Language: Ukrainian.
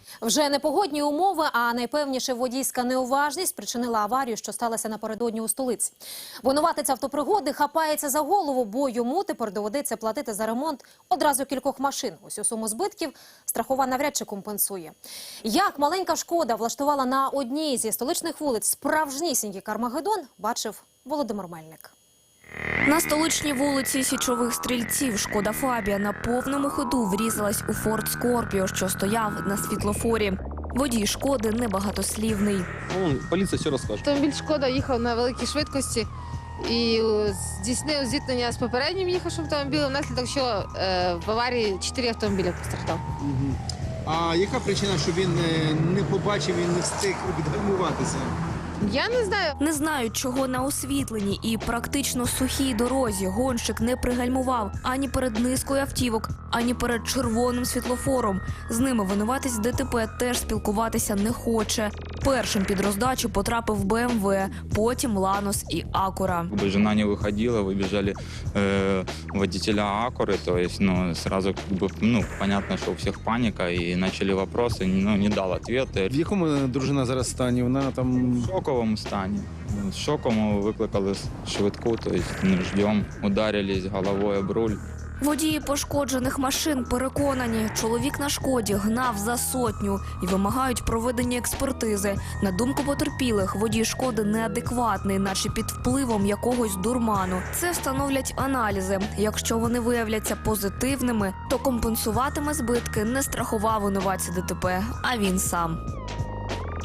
Вже не погодні умови, а найпевніше водійська неуважність спричинила аварію, що сталася напередодні у столиці. Винуватець автопригоди хапається за голову, бо йому тепер доведеться платити за ремонт одразу кількох машин. Усю суму збитків страхова навряд чи компенсує. Як маленька «Шкода» влаштувала на одній зі столичних вулиць справжнісінький Кармагеддон, бачив Володимир Мельник. На столичній вулиці Січових Стрільців «Шкода Фабія» на повному ходу врізалась у «Форд Скорпіо», що стояв на світлофорі. Водій «Шкоди» небагатослівний. Поліція все розкаже. Автомобіль «Шкода» їхав на великій швидкості і здійснив зіткнення з попереднім їхавшим автомобілем, внаслідок чого в аварії 4 автомобіля постраждав. А яка причина, що він не побачив і не встиг відгальмуватися? Я не знаю. Не знають, чого на освітленій і практично сухій дорозі гонщик не пригальмував ані перед низкою автівок, ані перед червоним світлофором. З ними винуватець ДТП теж спілкуватися не хоче. Першим під роздачу потрапив БМВ, потім Ланос і Акура. Жена не выходила, выбежали водителя Акуры, то есть, сразу понятно, что у всех паника, и начали вопросы, не дал ответа. В якому дружина зараз стані? Вона там... В шоковому стані. З шоком викликали швидку, то есть, ждем, ударились головою об руль. Водії пошкоджених машин переконані, чоловік на «Шкоді» гнав за 100 і вимагають проведення експертизи. На думку потерпілих, водій «Шкоди» неадекватний, наче під впливом якогось дурману. Це встановлять аналізи. Якщо вони виявляться позитивними, то компенсуватиме збитки не страхова винуватця ДТП, а він сам.